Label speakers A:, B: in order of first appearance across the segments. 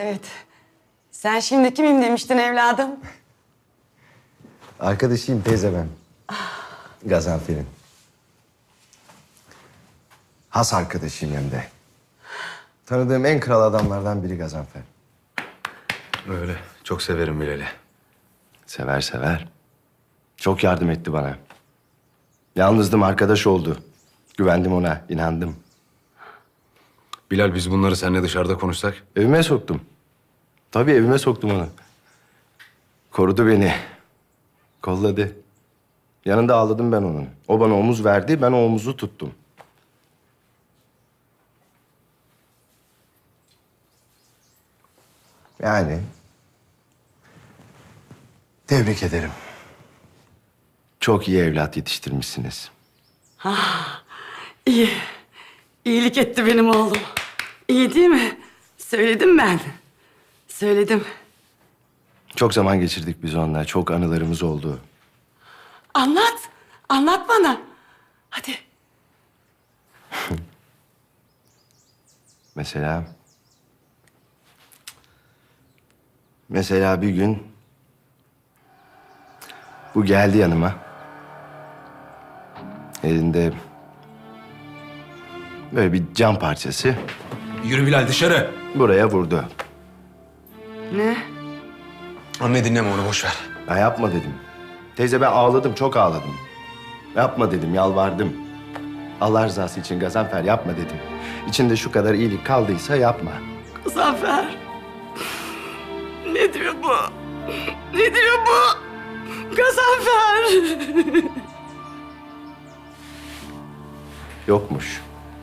A: Evet. Sen şimdi kimim demiştin evladım?
B: Arkadaşıyım teyze ben. Gazanfer'in. Has arkadaşıyım hem de. Tanıdığım en kral adamlardan biri Gazanfer.
C: Öyle. Çok severim Bilal'i.
B: Sever sever. Çok yardım etti bana. Yalnızdım, arkadaş oldu. Güvendim ona, inandım.
C: Bilal, biz bunları seninle dışarıda konuşsak.
B: Evime soktum. Tabii evime soktum onu. Korudu beni. Kolladı. Yanında ağladım ben onun. O bana omuz verdi, ben o omuzu tuttum. Yani... Tebrik ederim. Çok iyi evlat yetiştirmişsiniz.
A: İyi. İyilik etti benim oğlum. İyi değil mi? Söyledim ben. Söyledim.
B: Çok zaman geçirdik biz onunla. Çok anılarımız oldu.
A: Anlat. Anlat bana. Hadi.
B: Mesela... Mesela bir gün... Bu geldi yanıma. Elinde... Böyle bir cam parçası
C: Yürü Bilal, dışarı.
B: buraya vurdu.
A: Ne?
C: Anne, dinleme onu, boş ver.
B: Ben yapma dedim. Teyze ben ağladım, çok ağladım. Yapma dedim, yalvardım. Allah rızası için Gazanfer yapma dedim. İçinde şu kadar iyilik kaldıysa yapma.
A: Zafer. Ne diyor bu? Ne diyor bu? Gazanfer.
B: Yokmuş.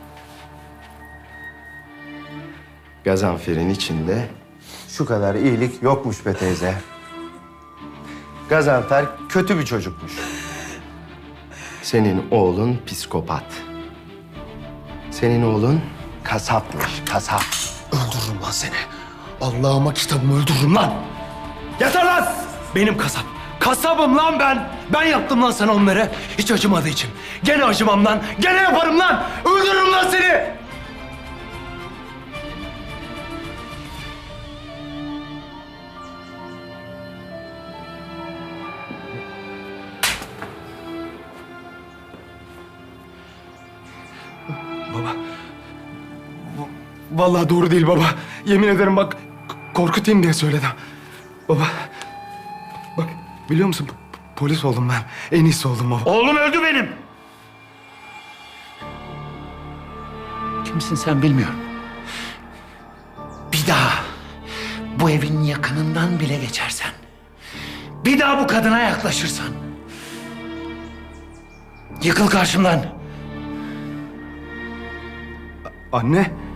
B: Gazanfer'in içinde şu kadar iyilik yokmuş be teyze. Gazanfer kötü bir çocukmuş. Senin oğlun psikopat. Senin oğlun kasapmış, kasap.
D: Öldürürüm lan seni. Allah'ıma kitabımı öldürürüm lan. Yeter lan! Benim kasap. Kasabım lan ben. Ben yaptım lan sana onları. Hiç acımadığı için. Gene acımam lan. Gene yaparım lan. Öldürürüm lan seni. Baba. Vallahi doğru değil baba. Yemin ederim bak korkutayım diye söyledim. Baba. Bak biliyor musun polis oldum ben. En iyisi oldum baba.
E: Oğlum öldü benim. Kimsin sen bilmiyorum. Bir daha bu evin yakınından bile geçersen, bir daha bu kadına yaklaşırsan, yıkıl karşımdan.
D: Anne.